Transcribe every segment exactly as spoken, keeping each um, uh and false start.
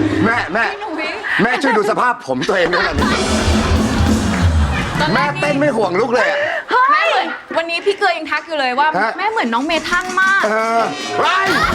แม่แม่แม่ช่วยดูสภาพผมตัวเองด้วยนะแม่เต้นไม่ห่วงลูกเลยแม่เหมือนวันนี้พี่เกยยังทักอยู่เลยว่าแม่เหมือนน้องเมทันมากเออไป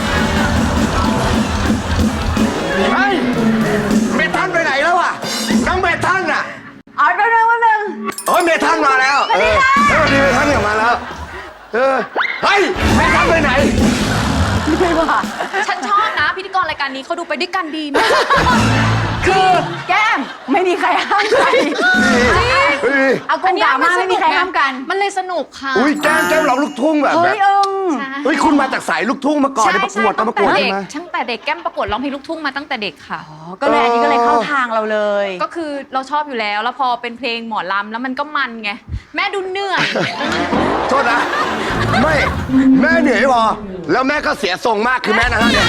เฮ้ยเมทันไปไหนแล้วอ่ะน้องเมทันอ่ะอ๋อแป๊บนึงแป๊บนึงโอ้ยเมทันมาแล้วเออเออดีเมทันเนี่ยมาแล้วเออเฮ้ยเมทันไปไหนไม่ว่าฉันชอบนะพิธีกรรายการนี้เขาดูไปด้วยกันดีมากคือแก้มไม่มีใครห้ามใครเอากงด่ามาไม่มีใครห้ามกันมันเลยสนุกค่ะอุ้ยแก้มแก้มร้องลูกทุ่งแบบเฮ้ยเอิงเฮ้ยคุณมาจากสายลูกทุ่งมาก่อนประกวดตอนประกวดใช่ไหมตั้งแต่เด็กแก้มประกวดร้องเพลงลูกทุ่งมาตั้งแต่เด็กค่ะก็เลยอันนี้ก็เลยเข้าทางเราเลยก็คือเราชอบอยู่แล้วแล้วพอเป็นเพลงหมอลำแล้วมันก็มันไงแม่ดูเหนื่อยโทษนะไม่แม่เหนื่อยพอแล้วแม่ก็เสียทรงมากคือแม่นะฮะเนี่ย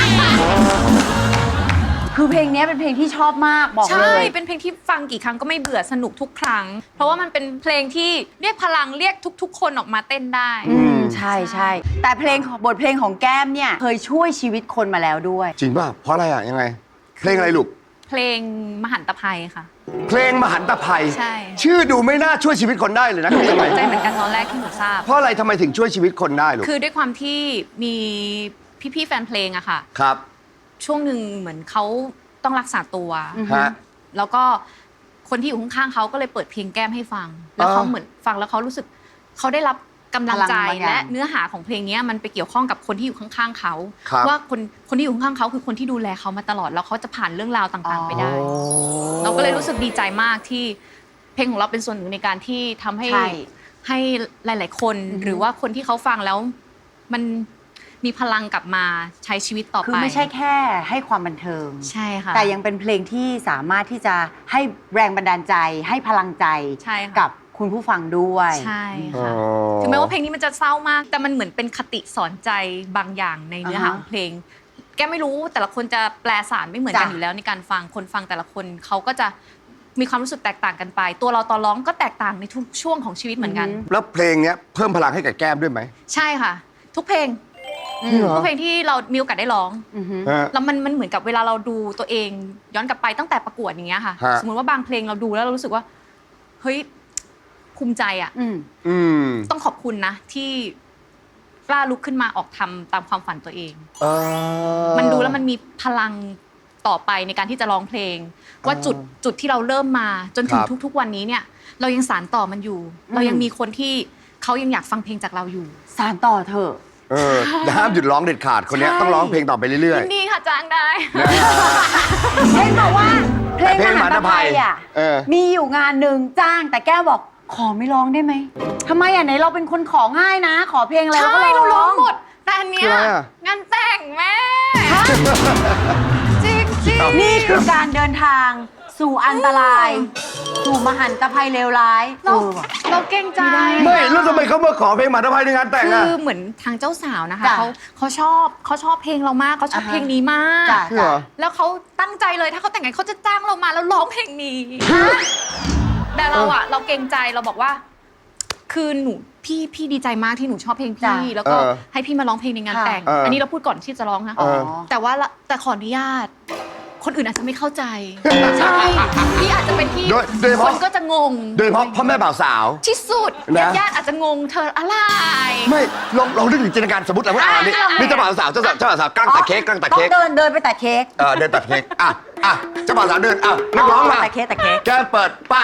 คือเพลงนี้เป็นเพลงที่ชอบมากบอกเลยใช่เป็นเพลงที่ฟังกี่ครั้งก็ไม่เบื่อสนุกทุกครั้งเพราะว่ามันเป็นเพลงที่เรียกพลังเรียกทุกๆคนออกมาเต้นได้อืมใช่ใช่แต่เพลงบทเพลงของแก้มเนี่ยเคยช่วยชีวิตคนมาแล้วด้วยจริงป่ะเพราะอะไรอ่ะยังไงเพลงอะไรลูกเพลงมหันตภัยค่ะเพลงมหันตภัยใช่ชื่อดูไม่น่าช่วยชีวิตคนได้เลยนะตกใจเหมือนกันตอนแรกที่หนูทราบเพราะอะไรทำไมถึงช่วยชีวิตคนได้ลูกคือด้วยความที่มีพี่ๆแฟนเพลงอะค่ะครับช่วงหนึ่งเหมือนเขาต้องรักษาตัวแล้วก็คนที่อยู่ข้างๆเขาก็เลยเปิดเพลงแก้มให้ฟังแล้วเขาเหมือนฟังแล้วเขารู้สึกเขาได้รับกำลังใจและเนื้อหาของเพลงนี้มันไปเกี่ยวข้องกับคนที่อยู่ข้างๆเขาว่าคนคนที่อยู่ข้างๆเขาคือคนที่ดูแลเขามาตลอดแล้วเขาจะผ่านเรื่องราวต่างๆไปได้เราก็เลยรู้สึกดีใจมากที่เพลงของเราเป็นส่วนหนึ่งในการที่ทำให้ให้หลายๆคนหรือว่าคนที่เขาฟังแล้วมันมีพลังกลับมาใช้ชีวิตต่อไปคือไม่ใช่แค่ให้ความบันเทิงใช่ค่ะแต่ยังเป็นเพลงที่สามารถที่จะให้แรงบันดาลใจให้พลังใจกับคุณผู้ฟังด้วยใช่ค่ะถึงแม้ว่าเพลงนี้มันจะเศร้ามากแต่มันเหมือนเป็นคติสอนใจบางอย่างในเนื้อหาของเพลงแกไม่รู้แต่ละคนจะแปลสารไม่เหมือนกันอยู่แล้วในการฟังคนฟังแต่ละคนเขาก็จะมีความรู้สึกแตกต่างกันไปตัวเราตอนร้องก็แตกต่างในทุกช่วงของชีวิตเหมือนกันแล้วเพลงนี้เพิ่มพลังให้กับแก้มด้วยไหมใช่ค่ะทุกเพลงทุกเพลงที่เรามีโอกาสได้ร้องแล้วมันมันเหมือนกับเวลาเราดูตัวเองย้อนกลับไปตั้งแต่ประกวดอย่างเงี้ยค่ะสมมติว่าบางเพลงเราดูแล้วเรารู้สึกว่าเฮ้ยภูมิใจอ่ะต้องขอบคุณนะที่กล้าลุกขึ้นมาออกทำตามความฝันตัวเองมันดูแล้วมันมีพลังต่อไปในการที่จะร้องเพลงว่าจุดจุดที่เราเริ่มมาจนถึงทุกๆวันนี้เนี่ยเรายังสานต่อมันอยู่เรายังมีคนที่เขายังอยากฟังเพลงจากเราอยู่สานต่อเถอะเออห้ามหยุดร้องเด็ดขาดคนนี้ต้องร้องเพลงต่อไปเรื่อยๆดีค่ะจ้างได้เพลงบอกว่าเพลงมหันตภัยอ่ะมีอยู่งานหนึ่งจ้างแต่แก้วบอกขอไม่ร้องได้ไหมทำไมอ่ะไหนเราเป็นคนของ่ายนะขอเพลงอะไรก็เราร้องหมดแต่อันเนี้ยงานแต่งแม่จริงจริงนี่คือการเดินทางสู่อันตรายสู่มหันตภัยเลวร้ายเราเราเก่งใจไม่แล้วทำไมเขามาขอเพลงมหันตภัยในงานแต่งอ่ะคือเหมือนทางเจ้าสาวนะคะเขาเขาชอบเขาชอบเพลงเรามากเขาชอบเพลงนี้มากแล้วเขาตั้งใจเลยถ้าเขาแต่งงานเขาจะจ้างเรามาแล้วร้องเพลงนี้แต่เราอะเราเกรงใจเราบอกว่าคือหนูพี่พี่ดีใจมากที่หนูชอบเพลงพี่แล้วก็ให้พี่มาร้องเพลงในงานแต่งอันนี้เราพูดก่อนที่จะร้องนะแต่ว่าแต่ขออนุญาตคนอื่นอาจจะไม่เข้าใจใช่พี่อาจจะเป็นที่คนก็จะงงโดยเฉพาะพ่อแม่บ่าวสาวที่สุดญาติอาจจะงงเธออะไรไม่ลองลองนึกถึงจินตนาการสมมติอะไรว่าอ่านี่นี่เจ้าบ่าวสาวเจ้าเจ้าบ่าวสาวกำลังตัดเค้กกำลังตัดเค้กเดินเดินไปตัดเค้กเออเดินตัดเค้กอ่ะอ่ะเจ้าบ่าวสาวเดินอ่ะนักร้องมาตัดเค้กตัดเค้กแกเปิดป้าย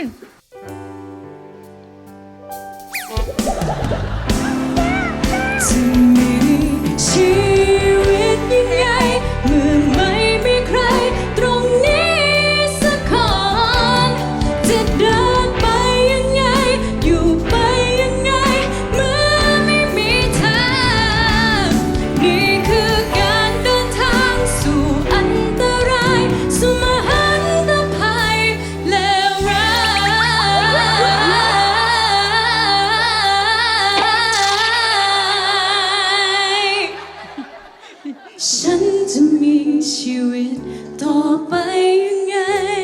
ชีวิตยิ่งใหญ่เมื่อไม่มีใครตรงนี้สักคนจะเดินไปยังไงอยู่ไปยังไงเมื่อไม่มีทางนี่คือการเดินทางสู่อันตรายสู่มหันตภัยเลวร้ายฉันจะมีชีวิตต่อไปยังไง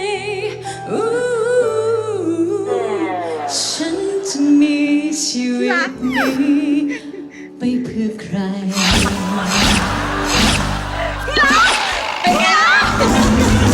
ฉันจะมีชีวิตนี้ไปเพื่อใคร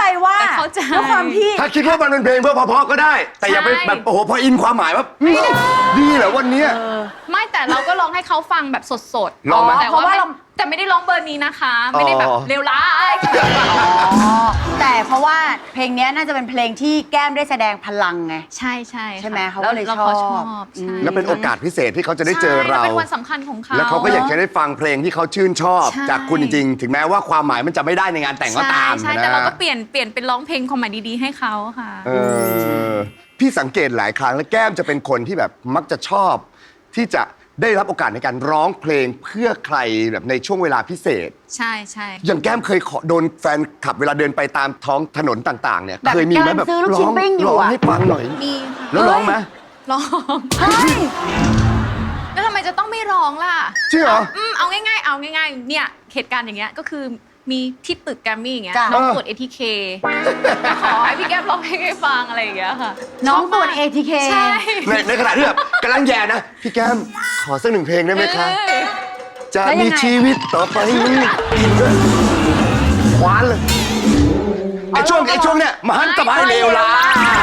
ใจว่าแต่เข้าใจด้วยความที่ถ้าคิดว่ามันเป็นเพลงเพื่อเพราะๆก็ได้ แต่อย่าไปใช่แบบโอ้โหพออินความหมายว่าดีเหรอวันเนี้ยไม่แต่เราก็ร้องให้เขาฟังแบบสดๆลองไหมแต่เพราะว่าว่าเราแต่ไม่ได้ร้องเบอร์นี้นะคะ ไม่ได้แบบอ๋อเลวร้ายอ๋อแต่เพราะว่าเพลงเนี้ยน่าจะเป็นเพลงที่แก้มได้แสดงพลังไงใช่ใช่ใช่ไหมเขาแล้ก็วเลยเราชอบเขาชอบใช่แล้วเป็นโอกาสพิเศษที่เขาจะได้เจอเราใช่แล้วเป็นวันสำคัญของเขาแล้วเขาก็อยากจะได้ฟังเพลงที่เขาชื่นชอบใช่จากคุณจริงๆ ถึงแม้ว่าความหมายมันจะไม่ได้ในงานแต่งก็ตามใช่นะแต่เราก็เปลี่ยนเปลี่ยนเป็นร้องเพลงความหมายดีๆให้เขาค่ะเออพี่สังเกตหลายครั้งแล้วแก้มจะเป็นคนที่แบบมักจะชอบ ที่จะได้รับโอกาสในการร้องเพลงเพื่อใครแบบในช่วงเวลาพิเศษใช่ใช่อย่างแก้มเคยขอโดนแฟนขับเวลาเดินไปตามท้องถนนต่างๆเนี่ยแบบเคยมีไหมกำลังแบบซื้อลูกชิ้ร้นองปิ้งอยู่ร้องอะให้ฟังหน่อยมีค่ะแล้วร้องไหมร้องเฮ้ยแล้วทำไมจะต้องไม่ร้องล่ะจริงเหรออืมเอาง่ายๆ เอาง่ายๆ เนี่ยเหตุการณ์อย่างเงี้ยก็คือมีที่ตึกแกรมมี่อย่างเงี้ยจ้ะน้องตรวจ เอ ที เค ขอให้พี่แก้มร้องเพลงให้ฟังอะไรอย่างเงี้ยค่ะน้องตรวจชบมากเอ ที เคใช่ในในขณะที่แบบกำลังแย่นะ พี่แก้มขอสักหนึ่งเพลงได้ไหมคะเออจะแล้วยังไงมีชีวิตต่อไปนี้กินด้วยคว้านเลยไอช่วงไอช่วงเนี้ยมหันตภัยเลวร้าย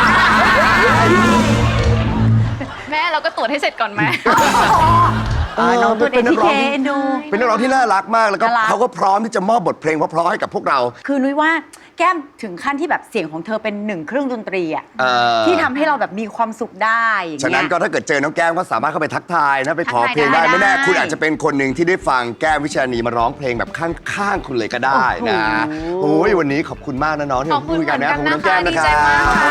แม่เราก็ตรวจให้เสร็จก่อนไหมเออน้องตรวจเป็นนักร้องเอ ที เค ดูเป็นนักร้องที่น่ารักมากแล้วก็น่ารักเขาก็พร้อมที่จะมอบบทเพลงเพราะๆให้กับพวกเราคือนุ้ยว่าแก้มถึงขั้นที่แบบเสียงของเธอเป็นหนึ่งเครื่องดนตรีอะเออที่ทำให้เราแบบมีความสุขได้อย่างฉะเงี้นั้นยก็ถ้าเกิดเจอน้องแก้มก็สามารถเข้าไปทักทายนะไปขอทักทายเพลงได้ได้ไม่แน่ได้คุณอาจจะเป็นคนหนึ่งที่ได้ฟังแก้มวิชานีมาร้องเพลงแบบข้างๆคุณเลยก็ได้นะโอ้โหโอ้ยวันนี้ขอบคุณมากนะน้องที่ขอบคุณคุยกันนะเหมือนกันขอบคุณน้องแก้มนะนะคะดีคใจรับมากค่ะ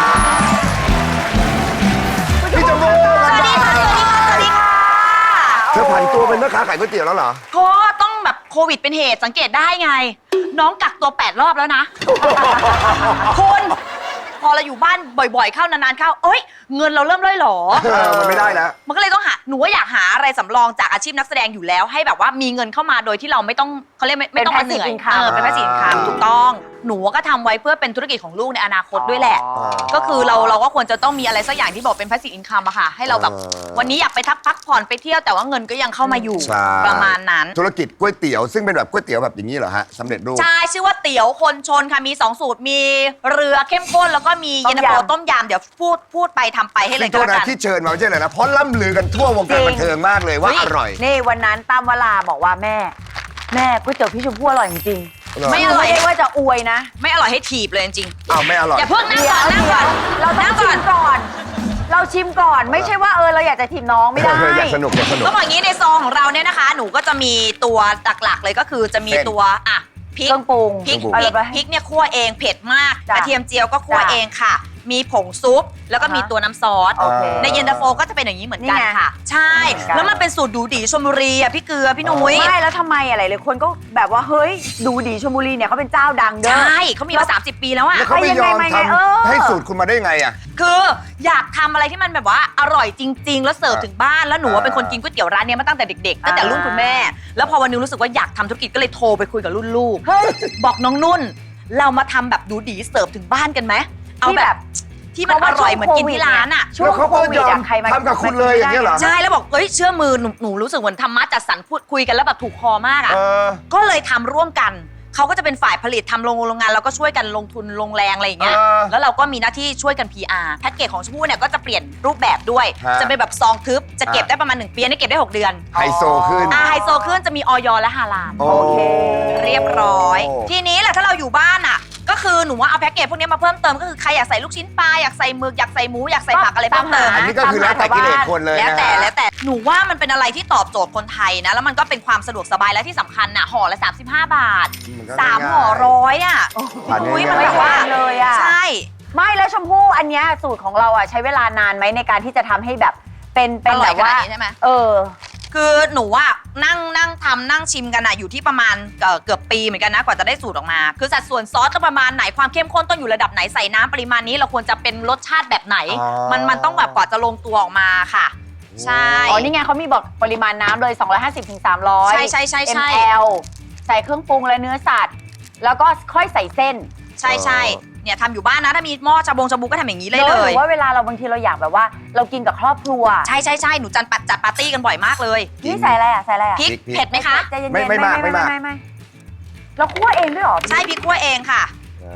พี่จมูกสวัสดีค่ะ สวัสดีค่ะ สวัสดีค่ะเธอผันตัวเป็นแม่ค้าขายก๋วยเตี๋ยวแล้วเหรอก็ต้องแบบโควิดเป็นเหตุสังเกตได้ไง น้องกักตัวแปดรอบแล้วนะ คุณพอเราอยู่บ้านบ่อยๆ เข้านานๆเข้า เอ้ย เงินเราเริ่มร่อยหรอเออมันไม่ได้แล้วมันก็เลยต้องหา หนูว่าอยากหาอะไรสำรองจากอาชีพนักแสดงอยู่แล้ว ให้แบบว่ามีเงินเข้ามาโดยที่เราไม่ต้องเขาเรียกไม่ไม่ต้องมาเหนื่อยเป็น passive income เออเป็น passive income ถูกต้อง หนูก็ทำไว้เพื่อเป็นธุรกิจของลูกในอนาคตด้วยแหละอ๋อก็คือเราเราก็ควรจะต้องมีอะไรสักอย่างที่บอกเป็น passive income อะค่ะ ให้เราแบบเออวันนี้อยากไปทักพักผ่อนไปเที่ยวแต่ว่าเงินก็ยังเข้ามาอยู่ใช่ประมาณนั้นธุรกิจก๋วยเตี๋ยวซึ่งเป็นแบบก๋วยเตี๋ยวแบบอย่างนี้เหรอฮะสำเร็จรูปใช่ ชื่อว่าเตี๋ยวคนชนค่ะ มี สอง สูตร มีเรือเข้มข้น แล้วก็มีต้เย็มนตาโฟยำต้มยำเดี๋ยวพูดพูดไปทำไปให้เลยซึ่งก็โทษแล้วนะกันที่เชิญมาไม่ใช่เลยนะเพราะล่ำลือกันทั่ววงการจริงบันเทิงมากเลยว่าเฮ้ยอร่อยนี่วันนั้นตามเวลาบอกว่าแม่ แม่ก๋วยเตี๋ยวพี่ชมพู่อร่อยจริงไม่ๆอร่อยไม่ได้ว่าจะอวยนะไม่อร่อยให้ถีบเลยจริงอ้าวไม่อร่อยๆอย่าเพิ่งนั่งก่อนนั่งก่อนเราต้องนั่งชิก่อนมก่อน เราชิมก่อนไม่ใช่ว่าเออเราอยากจะทีมน้องไม่ได้เอออยากสนุกอยากสนุกก็บอกอย่างนี้ในซองของเราเนี่ยนะคะ หนูก็จะมีตัวหลักๆเลยก็คือจะมีเส้นตัวอ่ะพริกเครื่องปรุงพริกเครื่องปรุงพริกพริกเนี่ยคั่วเองเผ็ดมากจ้ะกระเทียมเจียวก็คั่วจ้ะเองค่ะ มีผงซุป แล้วก็มีอ่าฮะตัวน้ำซอสโอเคในเย็นตาโฟก็จะเป็นอย่างนี้เหมือนกันนี่ไงค่ะ ใช่เหมือนกันแล้วมันเป็นสูตรดูดีชลบุรีอ่ะพี่เกลือพี่นุ้ยไม่แล้วทำไมอะไรเลยคนก็แบบว่าเฮ้ยดูดีชลบุรีเนี่ยเขาเป็นเจ้าดังเด้ใชอ่เขามีมาสามสิบปีแล้วอะแล้วเขาไม่ยอมไปยังไงทมาไงเออำให้สูตรคุณมาได้ไงอ่ะคืออยากทำอะไรที่มันแบบว่าอร่อยจริง ๆ แล้วเสิร์ฟอ่าถึงบ้านแล้วหนูว่าเป็นคนอ่ากินก๋วยเตี๋ยวร้านเนี้ยมาตั้งแต่เด็กๆตั้งแต่รุ่นคุณแม่ แล้วพอวันหนึงรู้สึกว่าอยากทำธุรกิจก็เลยโทรไปคุยกับรุ่นลูกเฮ้ยบอกน้องนุ่น เรามาทำแบบดูดีเสิร์ฟถึงบ้านกันไหมเอาที่แบแบบ บที่มันอร่อยเหมือนกินที่ร้านอะช่วงแล้วเขาโคก็วิยดอมอะใครมาทำกับคุณเลยอย่างเงี้ยเหรอใช่แล้วบอกเอ้ยเชื่อมือหนูหนูรู้สึกเหมือนธรรมะจัดสรรพูดคุยกันแล้วแบบถูกคอมากอะเออก็เลยทำร่วมกัน เขาก็จะเป็นฝ่ายผลิตทำโรงโรงงานแล้วก็ช่วยกันลงทุนลงแรงอะไรอย่างเงี้ยเออแล้วเราก็มีหน้าที่ช่วยกัน พี อาร์ แพ็กเกจของชมพู่เนี่ยก็จะเปลี่ยนรูปแบบด้วยฮะจะเป็นแบบซองทึบ จะเก็บอ่ะได้ประมาณหนึ่งปีอันนี้เก็บได้หกเดือนไฮโซขึ้นอ่าไฮโซขึ้นจะมีออยและฮาลาลโอเคเรียบร้อยโอ้ทีนี้แหละถ้าเราอยู่บ้านอ่ะ ก็คือหนูว่าเอาแพ็กเกจพวกนี้มาเพิ่มเติมก็คือใครอยากใส่ลูกชิ้นปลาอยากใส่หมึกอยากใส่หมูอยากใส่ผักอะไรเพิ่มเติมอันนี้ก็คือแล้วแต่กิเลสคนเลยแล้วนะแต่ฮะแล้วแต่หนูว่ามันเป็นอะไรที่ตอบโจทย์คนไทยนะ แล้วมันก็เป็นความสะดวกสบายและที่สำคัญน่ะห่อละสามสิบห้าบาทมันก็สามง่ายห่อร้อยอ่ะทานอุ้ยง่ายๆมันแบบว่าไม่แพงเลยอะใช่ไม่แล้วชมพู่อันเนี้ยสูตรของเราอ่ะใช้เวลานานไหมในการที่จะทำให้แบบเป็นเป็นอร่แบอยบว่าขนาดนี้ใช่ไหมเออคือหนูว่านั่งนั่งทำนั่งชิมกันอะอยู่ที่ประมาณเอ่อเกือบปีเหมือนกันนะกว่าจะได้สูตรออกมา คือสัดส่วนซอสต้องประมาณไหนความเข้มข้นต้องอยู่ระดับไหนใส่น้ำปริมาณนี้เราควรจะเป็นรสชาติแบบไหนอ๋อมันมันต้องแบบกว่าจะลงตัวออกมาค่ะ ใช่อ๋อ นี่ไงเขามีบอกปริมาณน้ำเลย สองร้อยห้าสิบถึงสามร้อยใช่ใช่ใช่ใช่มล ใส่เครื่องปรุงและเนื้อสัตว์ แล้วก็ค่อยใส่เส้นใช่ใช่เนี่ยทำอยู่บ้านนะถ้ามีหม้อชาบงชาบูก็ทำอย่างนี้เลยหเลรืยอว่าเวลาเราบางทีเราอยากแบบว่า เรากินกับครอบครัวใช่ใช่ใช่หนูจัดปัดจัดปาร์ตี้กันบ่อยมากเลยนี่ใส่อะไรอ่ะ ใส่อะไรอ่ะพริกพริกเผ็ดไหมคะใจเย็นๆไม่ไม่มากไม่มากไม่เราคั่วเองด้วยเหรอใช่พริกคั่วเองค่ะ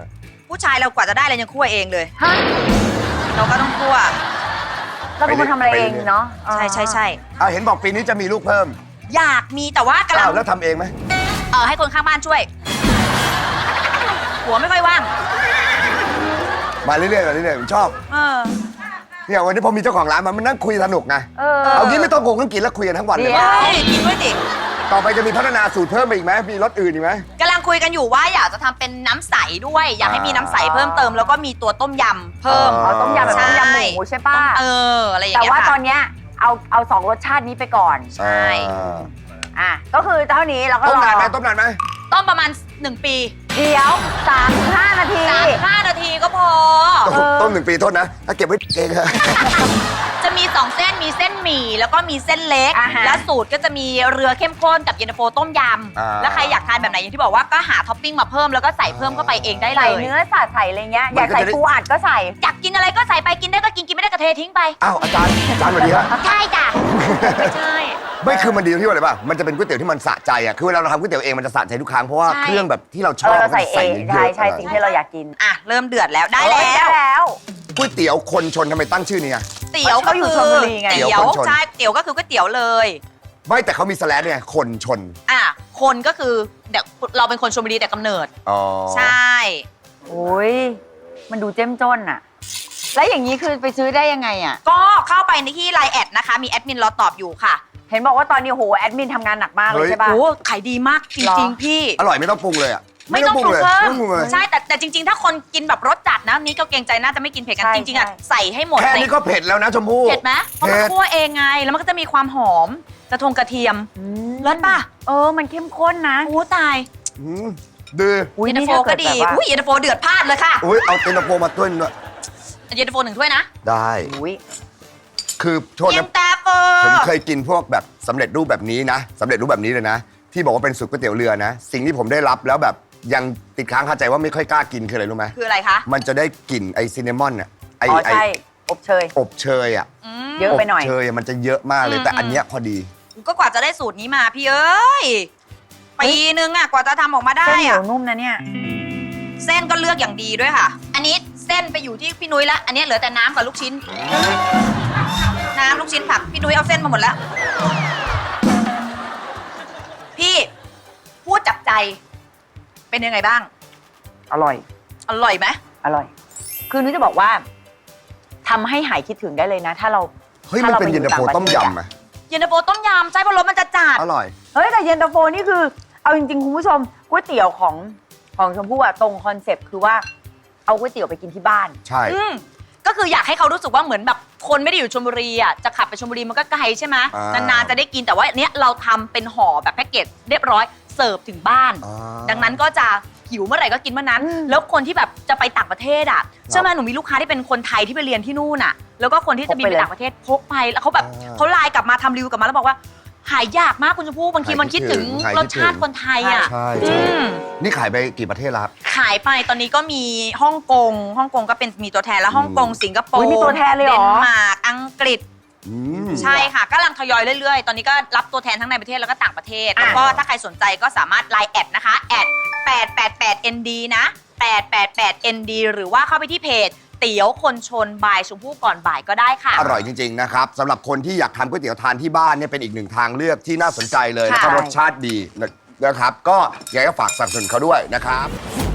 ผู้ชายเรากว่าจะได้อะไรยังคั่วเองเลยฮะเราก็ต้องคั่วเราเป็นคนทำอะไรเองเนาะใช่ใช่ใช่อ่ะเห็นบอกปีนี้จะมีลูกเพิ่มอยากมีแต่ว่ากำลัอ้าง วแล้วทำเองไหมเออให้คนข้างบ้านช่วยหัวไม่ค่อยว่างมาเรื่อยๆมาเรื่อยๆผมชอบเออเนี่ยวันนี้พอมีเจ้าของร้านมามันนั่งคุยสนุกไงเออเอางี้ไม่ต้องโกงต้องกินแล้วคุยกันทั้งวันเลยเดี๋ไหมยวเฮ้ยกินด้วยดิต่อไปจะมีพัฒนาสูตรเพิ่มไปอีกไหมมีรสอื่นอีกไหมกำลังคุยกันอยู่ว่าอยากจะทำเป็นน้ำใสด้วย อยากให้มีน้ำใสเพิ่มเติม แล้วก็มีตัวต้มยำเพิ่มเอาต้มยำแบบต้มยำหมูใช่ป่ะเอออะไรอย่างแต่เงี้ยว่าตอค่ะนเนี้ยเอาเอาสองรสชาตินี้ไปก่อนใช่อ่าอ่ะ ก็คือเท่านี้เราก็ต้มรอนานไหมต้มนานไหมต้มประมาณหนึ่งปีเดี๋ยวสามถึงห้านาทีสามห้านาทีก็พอต้มต้มหนึ่งปีโทษนะ ถ้าเก็บไว้เองอะจะมีสองเส้นมีเส้นหมี่แล้วก็มีเส้นเล็กอ่าฮะและสูตรก็จะมีเรือเข้มข้นกับเย็นตาโฟต้มยำแล้วใครอยากทานแบบไหนอย่างที่บอกว่าก็หาท็อปปิ้งมาเพิ่มแล้วก็ใส่เพิ่มเข้าไปเองได้เลใส่ยเนื้อสัตว์ใส่อะไรเงี้ย อยากใส่ปูอัดก็ใส่อยากกินอะไรก็ใส่ไปกินได้ก็กินกินไม่ได้ก็เททิ้งไปอ้าวอาจารย์อาจารย์สวัสดีครับใช่จ้ะไม่ใช่ไม่คือมันดีตรงที่ว่าอะไรป่ะมันจะเป็นก๋วยเตี๋ยวที่มันสะใจอ่ะคือเวลาเราทำก๋วยเตี๋ยวเองมันจะสะใจทุกครั้งเพราะว่าใช่เครื่องแบบที่เราชเออบอเราใส่เองมันจะใช่ยะๆใช่สิ่งที่เราอยากกินอ่ะเริ่มเดือดแล้วได้เอ้ยแล้วได้แล้วก๋วยเตี๋ยวคนชนทำไมตั้งชื่อนี้อ่ะเตี๋ยวก็เขาอยู่คือชลบุรีไงเตี๋ยวเตี๋ยวคนชนใช่เตี๋ยวก็คือก๋วยเตี๋ยวเลยไม่แต่เขามีสแลดเนี่ยคนชนอ่ะคนก็คือเด็กเราเป็นคนชลบุรีแต่กำเนิดอ๋อใช่โอ้ยมันดูเจ้มจ้นอะแล้วอย่างนี้คือไปซื้อได้ยังไงอะก็เข้าไปในที่ไลน์แอดนะคะ มีแอดมินรอตอบอยู่ค่ะเห็นบอกว่าตอนนี้โหแอดมินทำงานหนักมากเลยใช่ป่ะโอ้ขายดีมากจหรริงอๆ พี่อร่อยไม่ต้องปรุงเลยอ่ะไม่ต้องปรุงเลยเพิ่ไม่มต้องปรุงเลยใช่แต่แต่จริง ๆ ถ้าคนกินแบบรสจัดนะนี่ก็เกรงใจน่าจะไม่กินเผ็ดกันใช่จริงๆอ่ะใช่ใส่ให้หมดแค่ใส่นี้ก็เผ็ดแล้วนะชมพู่เผ็ดไหมเพราะมันเผ็ดคั่วเองไง แล้วมันก็จะมีความหอมกระทงกระเทียมอืมรสป่ะเออมันเข้มข้นนะโอ้ตายอืมดื้ออุ้ยเย็นตานี่โฟถ้าก็เกิดดีแบบว่าอุ้ยเย็นตาโฟเดือดพลาดเลยค่ะอุ้ยเอาเต็นตาโฟมาด้วยหน่อยเย็นตาโฟหนึ่งถ้วยนะได้อุ้ยคือโทษเย็นะนตาโฟผมเคยกินพวกแบบสำเร็จรูปแบบนี้นะสำเร็จรูปแบบนี้เลยนะ ที่บอกว่าเป็นสูตรก๋วยเตี๋ยวเรือนะ สิ่งที่ผมได้รับแล้วแบบยังติดค้างคาใจว่าไม่ค่อยกล้ากินคืออะไรรู้ไหมคืออะไรคะมันจะได้กลิ่นไอซินนามอนอ่ะไออ๋อไอใช่อบเชยอบเชยอ่ะอืมเยอะไปหน่อยบเชยอะมันจะเยอะมากเลยอืมแต่อันเนี้ยพอดีก็กว่าจะได้สูตรนี้มาพี่เอ้ยปีนึงอ่ะกว่าจะทำออกมาได้เส้นเหนียอ่ะวนุ่มนะเนี่ยเส้นก็เลือกอย่างดีด้วยค่ะ อันนี้เส้นไปอยู่ที่พี่นุ้ยละอันนี้เหลือแต่น้ำกับลูกชิ้น น้ำลูกชิ้นผักพี่นุ้ยเอาเส้นมาหมดแล้ว พี่พูดจับใจ เป็นยังไงบ้างอร่อยอร่อยไหมอร่อย คือนุ้ยจะบอกว่าทำให้หายคิดถึงได้เลยนะ ถ้าเราเฮ้ยมันเป็นเย็นตาโฟต้มยำอ่ะเย็นตาโฟต้มยำใช่เพราะรสมันจะจัดอร่อยเฮ้ยแต่เย็นตาโฟนี่คือ เอาจริงๆคุณผู้ชมก๋วยเตี๋ยวของของชมพู่อะตรงคอนเซปต์คือว่าเอาก๋วยเตี๋ยวไปกินที่บ้านใช่อืมก็คืออยากให้เขารู้สึกว่าเหมือนแบบคนไม่ได้อยู่ชลบุรีอ่ะจะขับไปชลบุรีมันก็ไกลใช่ไหมอ่านนานๆจะได้กินแต่ว่าเนี้ยเราทำเป็นห่อแบบแพ็กเกจเรียบร้อยเสิร์ฟถึงบ้านอ่าดังนั้นก็จะหิวเมื่อไหร่ก็กินเมื่อนั้นอืมแล้วคนที่แบบจะไปต่างประเทศอ่ะเชื่อไหมหนูมีลูกค้าที่เป็นคนไทยที่ไปเรียนที่นู่นอ่ะ แล้วก็คนที่จะบินไปต่างประเทศพกไปแล้วเขาแบบเขาไลน์กลับมาทำรีวิวกลับมาแล้วบอกว่าหายยากมากคุณชมพู่บางทีมันคิดถึงรสชาติคนไทยอ่ะใช่อืใช่มนี่ขายไปกี่ประเทศแล้วครับขายไปตอนนี้ก็มีฮ่องกงฮ่องกงก็เป็นมีตัวแทนแล้วฮ่องกงสิงคโปอุ๊ร์ยมีตัวแทนเลยเหรอเดนมาร์กอังกฤษอืมใช่ค่ะกำลังทยอยเรื่อยๆ ตอนนี้ก็รับตัวแทนทั้งในประเทศแล้วก็ต่างประเทศ แล้วก็ถ้าใครสนใจก็สามารถไลน์แอดนะคะแอดแปดแปดแปด เอ็น ดี นะแปดแปดแปด เอ็น ดี หรือว่าเข้าไปที่เพจเตี๋ยวคนชนบ่ายชมพู่ก่อนบ่ายก็ได้ค่ะอร่อยจริง ๆ นะครับสำหรับคนที่อยากทำก๋วยเตี๋ยวทานที่บ้านเนี่ยเป็นอีกหนึ่งทางเลือกที่น่าสนใจเลยแล้วก็ค่ะรสชาติดีนะครับ ก็อยากจะฝากสนับสนุนเขาด้วยนะครับ